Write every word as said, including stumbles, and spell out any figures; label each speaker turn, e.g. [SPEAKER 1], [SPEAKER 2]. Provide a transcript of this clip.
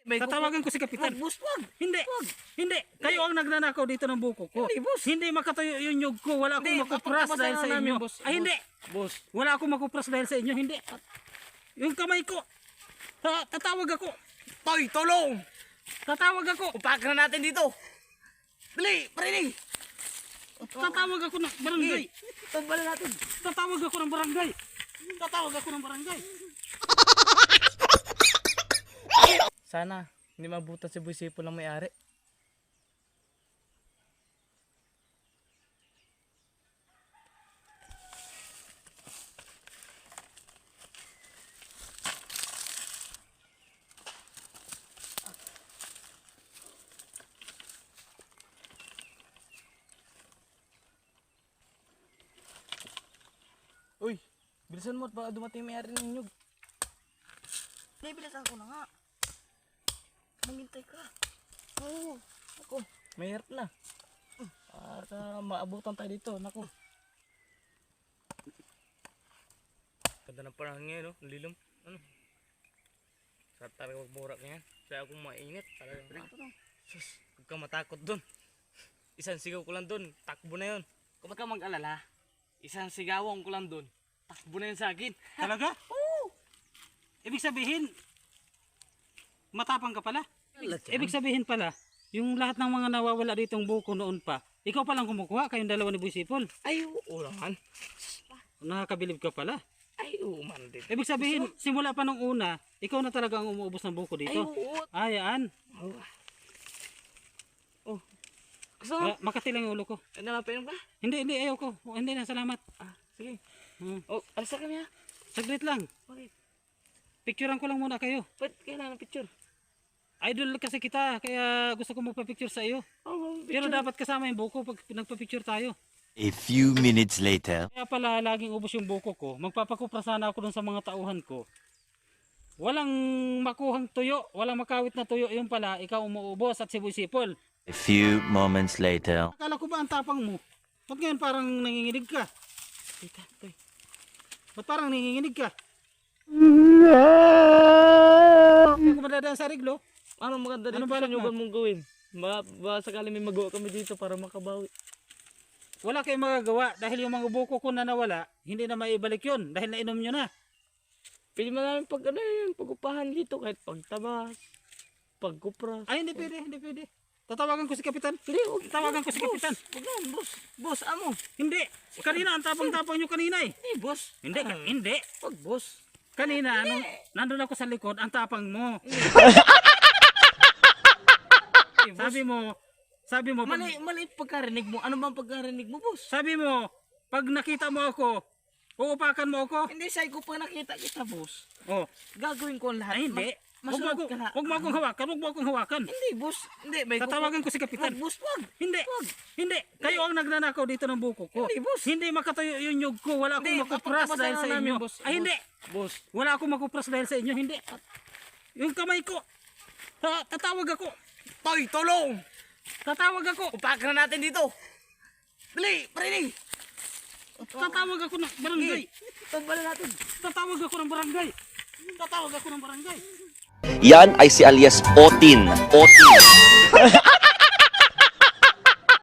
[SPEAKER 1] May
[SPEAKER 2] Tatawagan ko si Kapitan.
[SPEAKER 1] Wag, boss, wag.
[SPEAKER 2] Hindi.
[SPEAKER 1] Wag.
[SPEAKER 2] Hindi. Kayo ang nagnanakaw dito ng buko ko.
[SPEAKER 1] Hindi, boss.
[SPEAKER 2] Hindi makatayo yung nyug ko. Wala akong
[SPEAKER 1] Hindi,
[SPEAKER 2] makupras
[SPEAKER 1] papagtabasan
[SPEAKER 2] dahil sa
[SPEAKER 1] na namin,
[SPEAKER 2] inyo.
[SPEAKER 1] boss.
[SPEAKER 2] Ay, hindi.
[SPEAKER 1] Boss.
[SPEAKER 2] Wala akong makupras dahil sa inyo. Hindi. Yung kamay ko. Ta- tatawag ako.
[SPEAKER 1] Toy, tulong!
[SPEAKER 2] Tatawag ako.
[SPEAKER 1] Upakan na natin dito. Dali, parinig.
[SPEAKER 2] Tatawag ako ng barangay.
[SPEAKER 1] Tumbalan natin.
[SPEAKER 2] Tatawag ako ng barangay. Tatawag ako ng barangay.
[SPEAKER 1] Sana, hindi mabutas si Boy Sipo lang may-ari. Uy, bilisan mo at baka dumating yung may-ari ng nyug.
[SPEAKER 3] Hindi, bilisan ko na nga. Maghintay ka.
[SPEAKER 1] Oo, ako, mahirap na. Para maabutan tayo dito, naku. Ganda ng panahon ngayon, no? Nalilom. Ano? Sarap talaga magmurak ngayon. Kaya akong mainit. Talagang, sus, huwag ka matakot dun. Isang sigaw ko lang dun, takbo na yun. Kung ba't ka mag-alala, isang sigawan ko lang dun, takbo na yun sa akin.
[SPEAKER 2] Talaga? Oo. Ibig sabihin, matapang ka pala. Ibig sabihin pala, yung lahat ng mga nawawala ditong buko noon pa, ikaw palang kumukuha, kayong dalawa ni Boy Sipol.
[SPEAKER 1] Ay, oo naman.
[SPEAKER 2] Nakakabilib ka pala.
[SPEAKER 1] Ay, oo man din.
[SPEAKER 2] Ibig sabihin, simula pa nung una, ikaw na talaga ang umuubos ng buko
[SPEAKER 1] Ay,
[SPEAKER 2] dito.
[SPEAKER 1] oo.
[SPEAKER 2] Ayaan.
[SPEAKER 1] Oh. Oh. Gusto mo?
[SPEAKER 2] Ah, makatilang yung ulo ko.
[SPEAKER 1] Ay, nalapin ba?
[SPEAKER 2] Hindi, hindi, ayaw ko. Oh, hindi na, salamat.
[SPEAKER 1] Ah, sige.
[SPEAKER 2] Hmm.
[SPEAKER 1] Oh, alis na kami ha.
[SPEAKER 2] Saglit lang.
[SPEAKER 1] Bakit?
[SPEAKER 2] Picturean ko lang muna kayo.
[SPEAKER 1] Ba't kailangan ng picture?
[SPEAKER 2] Idol kasi kita, kaya gusto ko magpa-picture sa iyo.
[SPEAKER 1] Oh,
[SPEAKER 2] Pero dapat kasama yung buko pag nagpa-picture tayo.
[SPEAKER 4] A few minutes later.
[SPEAKER 2] Kaya pala laging ubos yung buko ko. Magpapakupra sana ako dun sa mga tauhan ko. Walang makuhang tuyo, walang makawit na tuyo. Yung pala, ikaw umuubos at si Boy Sipol.
[SPEAKER 4] A few moments later.
[SPEAKER 2] Akala ko ba ang tapang mo? Ba't ngayon parang nanginginig ka?
[SPEAKER 1] Teka, toy.
[SPEAKER 2] Ba't parang nanginginig ka? Hindi ko madadaan sa riglo.
[SPEAKER 1] Ano maganda dito
[SPEAKER 2] Ano
[SPEAKER 1] sa
[SPEAKER 2] balak mo?
[SPEAKER 1] nyugan mong gawin? Ba, ba sakali may magawa kami dito para makabawi.
[SPEAKER 2] Wala kayong magagawa dahil yung mga buko ko na nawala, hindi na maibalik yun dahil nainom nyo na.
[SPEAKER 1] Pwede mo namin pag ano yun, pag-upahan dito kahit pagtabas, pagkupras.
[SPEAKER 2] Ay, hindi pwede, hindi pwede. Tatawagan ko si Kapitan.
[SPEAKER 1] Hindi, huwag.
[SPEAKER 2] Tatawagan ko si Kapitan.
[SPEAKER 1] Huwag na, boss. Boss, amo.
[SPEAKER 2] Hindi. Kanina, ang tapang-tapang nyo kanina eh.
[SPEAKER 1] Hindi, boss.
[SPEAKER 2] Hindi,
[SPEAKER 1] Ah,
[SPEAKER 2] hindi.
[SPEAKER 1] Huwag, boss.
[SPEAKER 2] Kanina, nung nandun ako sa likod, ang tapang mo. Sabi mo, sabi mo, pag,
[SPEAKER 1] Mali, mali pagkarinig mo. Ano bang pagkarinig mo, boss?
[SPEAKER 2] sabi mo, pag nakita mo ako, uupakan mo ako.
[SPEAKER 1] Hindi, say ko pa nakita kita, boss.
[SPEAKER 2] Oh,
[SPEAKER 1] Gagawin ko ang lahat.
[SPEAKER 2] ay hindi.
[SPEAKER 1] Ma-
[SPEAKER 2] Huwag mo,
[SPEAKER 1] masunod
[SPEAKER 2] ako,
[SPEAKER 1] ka.
[SPEAKER 2] huwag mo akong hawakan, huwag mo akong hawakan.
[SPEAKER 1] Hindi, boss. Hindi, may
[SPEAKER 2] Tatawagan ko si Kapitan.
[SPEAKER 1] Wag, boss, wag.
[SPEAKER 2] Hindi, hindi. Kayo ang nagnanakaw dito ng buko ko.
[SPEAKER 1] Hindi, boss.
[SPEAKER 2] Hindi makatayo yung nyug ko. Wala akong
[SPEAKER 1] Hindi,
[SPEAKER 2] makupras
[SPEAKER 1] papagtabasan
[SPEAKER 2] dahil
[SPEAKER 1] na
[SPEAKER 2] sa
[SPEAKER 1] namin,
[SPEAKER 2] inyo.
[SPEAKER 1] boss.
[SPEAKER 2] Ay, hindi.
[SPEAKER 1] Boss.
[SPEAKER 2] Wala akong makupras dahil sa inyo. Hindi. Yung kamay ko. Ta- tatawag ako.
[SPEAKER 1] Toy, tulong!
[SPEAKER 2] Tatawag ako.
[SPEAKER 1] Upakan na natin dito. Dali, parinig.
[SPEAKER 2] Tatawag ako ng barangay.
[SPEAKER 1] Tumbalan natin.
[SPEAKER 2] Tatawag ako ng barangay. Tatawag ako ng barangay.
[SPEAKER 5] Yan ay si alias Otin. Otin.